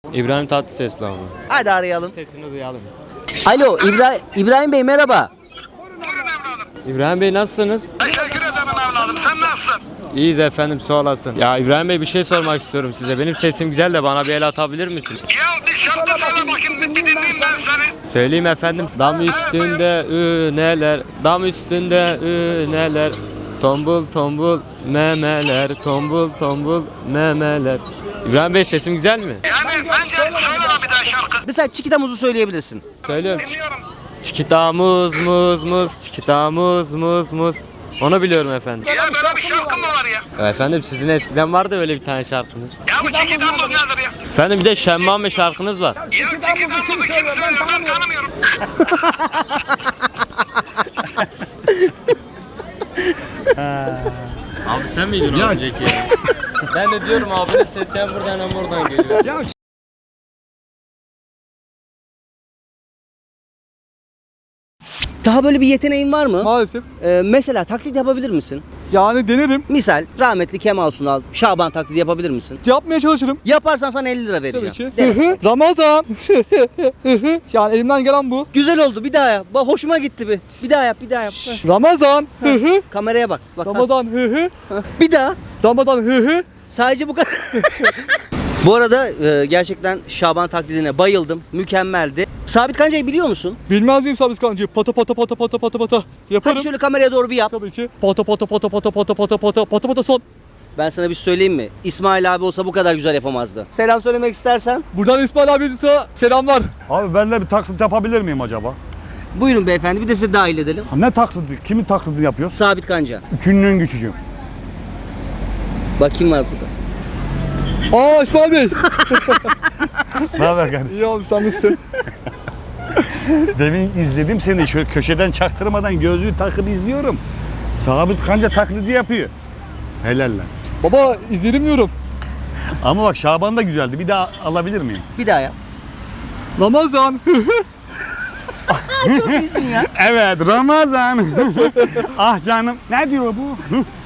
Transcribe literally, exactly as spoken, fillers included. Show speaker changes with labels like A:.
A: İbrahim Tatlıses'le abi.
B: Hadi arayalım.
A: Sesini duyalım.
B: Alo İbra İbrahim Bey merhaba.
A: İbrahim Bey nasılsınız?
C: Teşekkür ederim evladım. Sen nasılsın?
A: İyiyiz efendim, sağ olasın. Ya İbrahim Bey, bir şey sormak istiyorum size. Benim sesim güzel de bana bir el atabilir misin?
C: Ya bir şarkı söyle bakayım. Bir dinleyeyim ben seni.
A: Söyleyeyim efendim. Dam üstünde üneler, dam üstünde üneler. Tombul tombul memeler, tombul tombul memeler. İbrahim Bey, sesim güzel mi?
C: Yani bence söyle lan bir daha şarkı.
B: Mesela Çikita Muz'u söyleyebilirsin.
A: Söylüyorum.
C: Dinliyorum.
A: Çikita muz muz muz, çikita muz muz muz. Onu biliyorum efendim.
C: Ya böyle bir şarkı mı var ya?
A: Ya efendim, sizin eskiden vardı öyle bir tane şarkınız.
C: Ya bu çeki damız nedir ya?
A: Efendim bir de Şemmame şarkınız var.
C: Ya çeki damızı kim söylüyor ben tanımıyorum.
A: Abi sen miydin o önceki? Ben de diyorum abinin sesi hem buradan hem buradan geliyor.
B: Daha böyle bir yeteneğin var mı?
D: Maalesef.
B: Ee, mesela taklit yapabilir misin?
D: Yani denerim.
B: Misal rahmetli Kemal Sunal, Şaban taklidi yapabilir misin?
D: Yapmaya çalışırım.
B: Yaparsan sana elli lira vereceğim.
D: Tabii ki.
B: De.
D: Hı hı. Ramazan. Hı hı. Yani elimden gelen bu.
B: Güzel oldu, bir daha yap. Bak hoşuma gitti bir. Bir daha yap, bir daha yap. Heh.
D: Ramazan. Hı hı.
B: Kameraya bak. Bak.
D: Ramazan. Hı hı.
B: Ha. Bir daha.
D: Ramazan. Hı hı.
B: Sadece bu kadar. Bu arada e, gerçekten Şaban taklidine bayıldım. Mükemmeldi. Sabit Kanca'yı biliyor musun?
D: Bilmez miyim Sabit Kancı? Pata pata pata pata pata pata. Yaparım.
B: Hadi şöyle kameraya doğru bir yap.
D: Tabii ki. Pata pata pata pata pata pata pata pata pata son.
B: Ben sana bir söyleyeyim mi? İsmail abi olsa bu kadar güzel yapamazdı. Selam söylemek istersen.
D: Buradan İsmail abimize selamlar.
E: Abi ben de bir taklit yapabilir miyim acaba?
B: Buyurun beyefendi, bir de sizi dahil edelim.
E: Ha, ne taklidi? Kimin taklidini yapıyor?
B: Sabit Kanca.
E: Üçünün küçüğüm.
B: Bak kim var burada?
D: Aa İsmail Bey.
E: Ne haber kardeşim?
D: İyi abi sen nasılsın?
E: Demin izledim seni şöyle köşeden çaktırmadan gözlüğü takıp izliyorum. Sabit Kanca taklidi yapıyor. Helal lan.
D: Baba izlerim diyorum.
E: Ama bak Şaban da güzeldi. Bir daha alabilir miyim?
B: Bir daha yap.
D: Ramazan. Hı hı.
B: Çok iyisin ya.
E: Evet Ramazan. Ah canım. Ne diyor bu?